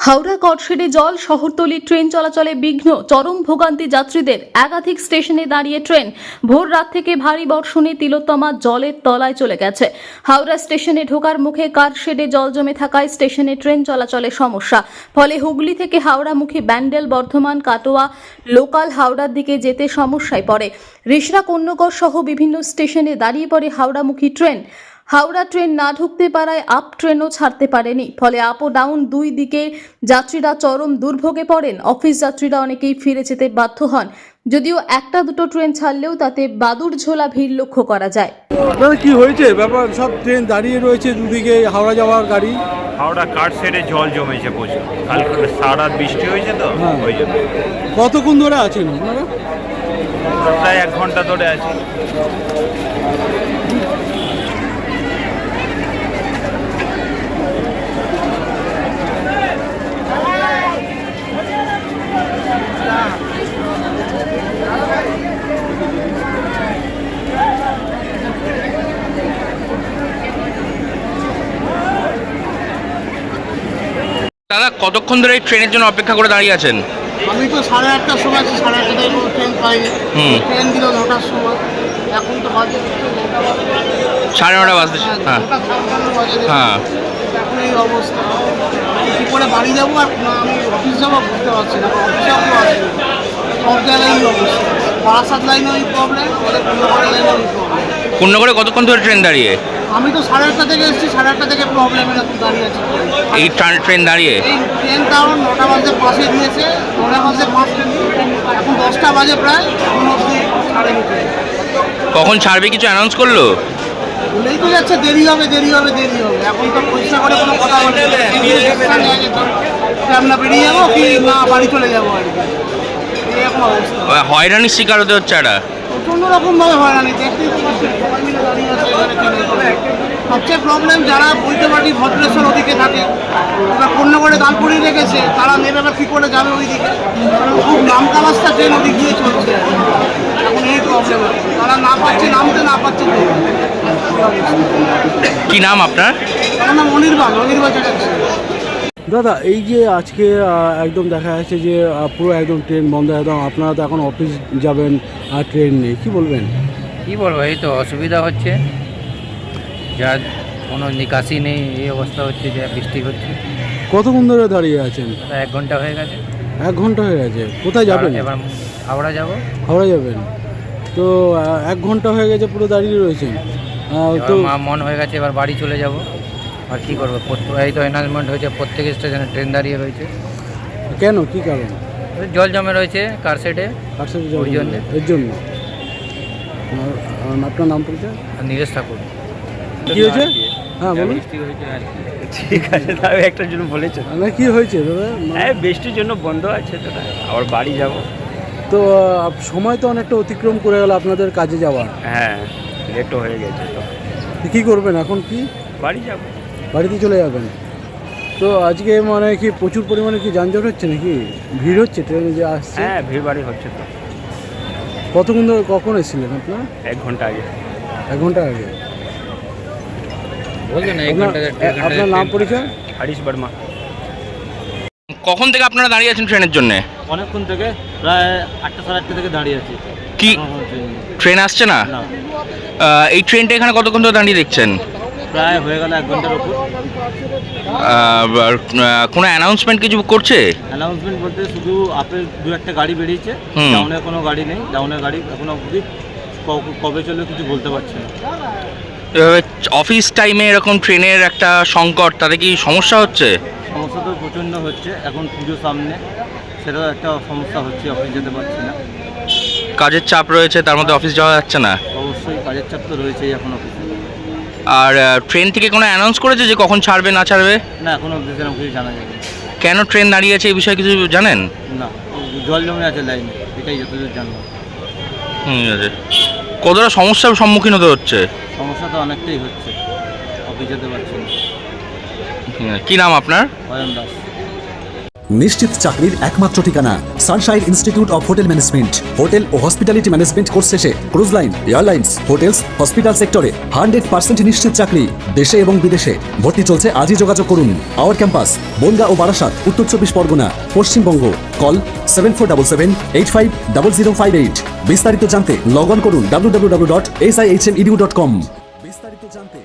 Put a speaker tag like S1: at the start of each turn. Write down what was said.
S1: হাওড়া কটশেডে জল, শহরতলি ট্রেন চলাচলে বিঘ্ন, চরম ভোগান্তি যাত্রীদের। একাধিক স্টেশনে দাঁড়িয়ে ট্রেন। ভোর রাত থেকে ভারী বর্ষণে তিলোত্তমা জলের তলায় চলে গেছে। হাওড়া স্টেশনে ঢোকার মুখে কারশেডে জল জমে থাকায় স্টেশনে ট্রেন চলাচলে সমস্যা। ফলে হুগলি থেকে হাওড়ামুখী ব্যান্ডেল, বর্ধমান, কাটোয়া লোকাল হাওড়ার দিকে যেতে সমস্যায় পড়ে। রিষড়া, কন্যগর সহ বিভিন্ন স্টেশনে দাঁড়িয়ে পড়ে হাওড়ামুখী ট্রেন। হাওড়া ট্রেন না ঢুকতে পারায় আপ ট্রেনও ছাড়তে পারেনি। ফলে আপ ও ডাউন দুই দিকে যাত্রীরা চরম দুর্ভোগে পড়েন। অফিস যাত্রীরা অনেকেই ফিরে যেতে বাধ্য হন। যদিও একটা দুটো ট্রেন ছাড়লেও তাতে বাদুড় ঝোলা ভিড় লক্ষ্য করা যায়।
S2: দাদা কি হয়েছে ব্যাপার? সব ট্রেন দাঁড়িয়ে রয়েছে দুদিকে, হাওড়া যাওয়ার গাড়ি।
S3: হাওড়া কারশেডে জল জমেছে প্রচুর। কালকে সারা রাত বৃষ্টি হয়েছে তো ওই জন্য।
S2: কতক্ষণ ধরে আছেন আপনারা?
S3: প্রায় 1 ঘন্টা ধরে আছি।
S4: দাদা কতক্ষণ ধরে এই ট্রেনের জন্য অপেক্ষা করে দাঁড়িয়ে আছেন?
S5: আমি তো 8:30টার সময় আছি, 8:30টায় কোনো ট্রেন পাইনি। ট্রেন দিল 9টার সময়, এখন তো বাজে
S4: 9:30 বাজতে। হ্যাঁ
S5: 9:55 বাজে।
S4: হ্যাঁ,
S5: এখন এই অবস্থা, কী করে বাড়ি যাবো আর না আমি অফিস যাবো বুঝতে পারছি না। অফিসেও কেউ আসেনি, সব জায়গায় এই অবস্থা। বারাসাত লাইনেও এই প্রবলেম, আমাদের কন্যাগড়ের লাইনেও এই প্রবলেম।
S4: কন্যগরে কতক্ষণ ধরে ট্রেন দাঁড়িয়ে?
S5: আমি তো 8:30টা থেকে এসেছি, 8:30টা থেকে প্রবলেম এরকম দাঁড়িয়ে আছি।
S4: এই ট্রেন দাঁড়িয়ে
S5: এই ট্রেন তাও 9টা বাজে পাশে দিয়েছে, 9টা বাজে 5 ট্রেন, এখন 10টা বাজে প্রায়, এখন অবধি ছাড়েনি ট্রেন।
S4: কখন ছাড়বে কিছু অ্যানাউন্স করলো?
S5: বলেই তো যাচ্ছে দেরি হবে, দেরি হবে, দেরি হবে। এখন তো পরিষ্কার করে কোনো কথা বলে আমরা বেরিয়ে যাবো কি না বাড়ি চলে যাবো আর কি, এরকম অবস্থা।
S4: হয়রানির শিকার হতে হচ্ছে একটা।
S5: প্রচণ্ড রকমভাবে হয়রানি, দেখতেই তো পাচ্ছেন সবাই মিলে দাঁড়িয়ে আছে এখানে ট্রেনে। সবচেয়ে প্রবলেম যারা বৈদ্যবাটি ভদ্রেশ্বর ওদিকে থাকে, এবার কন্যাগড়ে দাঁড় করিয়ে রেখেছে, তারা নেবে বা কী করে যাবে ওই দিকে, কারণ খুব নামকা রাস্তা ট্রেন ওদিক দিয়ে চলছে। এখন এই প্রবলেম, তারা না পাচ্ছে নামতে, না পাচ্ছে চলতে।
S4: কি নাম আপনার?
S5: আমার নাম অনির্বাণ চ্যাটার্জি।
S2: দাদা এই যে আজকে একদম দেখা যাচ্ছে যে পুরো একদম ট্রেন বন্ধ, একদম আপনারা তো এখন অফিস যাবেন আর ট্রেন নেই, কি বলবেন?
S6: কী বলবো, এই তো অসুবিধা হচ্ছে, যার কোনো নিকাশি নেই, এই অবস্থা হচ্ছে যে বৃষ্টি হচ্ছে।
S2: কতক্ষণ ধরে দাঁড়িয়ে আছেন?
S6: 1 ঘন্টা হয়ে গেছে।
S2: 1 ঘন্টা হয়ে গেছে। কোথায় যাবেন?
S6: এবার হাওড়া যাব।
S2: হাওড়া যাবেন তো 1 ঘন্টা হয়ে গেছে পুরো দাঁড়িয়ে রয়েছেন। তো
S6: মন হয়ে গেছে এবার বাড়ি চলে যাব, আর কী করবো। এই তো অ্যানাউন্সমেন্ট হয়েছে প্রত্যেক স্টেশনে ট্রেন দাঁড়িয়ে রয়েছে।
S2: কেন, কি কারণ?
S6: জল জমে রয়েছে কারশেডে,
S2: কার সাথে
S6: ওই জন্য।
S2: এর জন্য। আপনার নাম পরিচয়?
S6: নীরেশ ঠাকুর।
S2: কি হয়েছে? হ্যাঁ বলুন।
S3: ঠিক আছে, তাহলে একটার জন্য বলেছো
S2: না কি হয়েছে দাদা?
S3: হ্যাঁ বৃষ্টির জন্য বন্ধ আছে তো, আবার বাড়ি যাব।
S2: তো সময় তো অনেকটা অতিক্রম করে গেল আপনাদের কাজে যাওয়ার।
S3: হ্যাঁ লেটও হয়ে গেছে তো
S2: কি করবেন এখন? কি
S3: বাড়ি যাব।
S2: বাড়িতে চলে যাবেন? তো আজকে মানে কি প্রচুর পরিমাণে কি যানজট হচ্ছে নাকি? ভিড় হচ্ছে ট্রেনে যে আসছে?
S3: হ্যাঁ ভিড় বাড়ি হচ্ছে তো।
S2: কতক্ষণ ধরে, কখন এসেছিলেন আপনার?
S3: 1 ঘন্টা আগে।
S2: 1 ঘন্টা আগে।
S6: বলছেন
S2: আপনার নাম পরিচয়?
S3: হরিশ বর্মা।
S4: কখন থেকে আপনারা দাঁড়িয়ে আছেন ট্রেনের জন্য?
S7: অনেকক্ষণ থেকে, প্রায় 8টা 8:30 থেকে দাঁড়িয়ে আছি।
S4: কি ট্রেন আসছে না?
S7: না,
S4: এই ট্রেনটা এখানে কতক্ষণ ধরে দাঁড়িয়ে দেখছেন?
S7: প্রায় হয়ে গেল 1 ঘন্টার উপর।
S4: কোনো অ্যানাউন্সমেন্ট কিছু করছে?
S7: অ্যানাউন্সমেন্ট বলতে শুধু আপের 2-1টা গাড়ি বেরিয়েছে, ডাউনের কোনো গাড়ি নেই। ডাউনের গাড়ি এখনো অবধি কবে চলবে কিছু বলতে পারছে না।
S4: অফিস টাইমে এরকম ট্রেনের একটা সংকট, তাতে কি সমস্যা হচ্ছে?
S7: সমস্যা তো প্রচণ্ড হচ্ছে, এখন পুজো সামনে, সেটাও একটা সমস্যা হচ্ছে, অফিস যেতে পারছি না।
S4: কাজের চাপ রয়েছে, তার মধ্যে অফিস যাওয়া যাচ্ছে না।
S7: অবশ্যই কাজের চাপ তো রয়েছেই এখন অফিসে।
S4: আর ট্রেন থেকে কোনো অ্যানাউন্স করেছে যে কখন ছাড়বে না ছাড়বে?
S7: না, এখনও অবধি সেরকম কিছু জানা যাবে না।
S4: কেন ট্রেন দাঁড়িয়ে আছে এই বিষয়ে কিছু জানেন?
S7: না, জল জমে আছে লাইনে, এটাই যতদূর জানবো।
S4: আছে। কতটা সমস্যার সম্মুখীন হতে হচ্ছে?
S7: সমস্যা তো অনেকটাই হচ্ছে, অফিস যেতে পারছি না।
S4: কি নাম আপনার?
S7: অয়ন দাস।
S8: নিশ্চিত চাকরির একমাত্র ঠিকানা Sunshine Institute of Hotel Management. Hotel ও হসপিটালিটি ম্যানেজমেন্ট কোর্স শেষে cruise line, airlines, hotels, hospital সেক্টরে 100% নিশ্চিত চাকরি দেশে এবং বিদেশে। ভর্তি চলছে, আজই যোগাযোগ করুন। আওয়ার ক্যাম্পাস বনগাঁ ও বারাসাত, উত্তর 24 পরগনা, পশ্চিমবঙ্গ। কল 7477850058। বিস্তারিত জানতে লগ অন করুন www.sihmedu.com। বিস্তারিত জানতে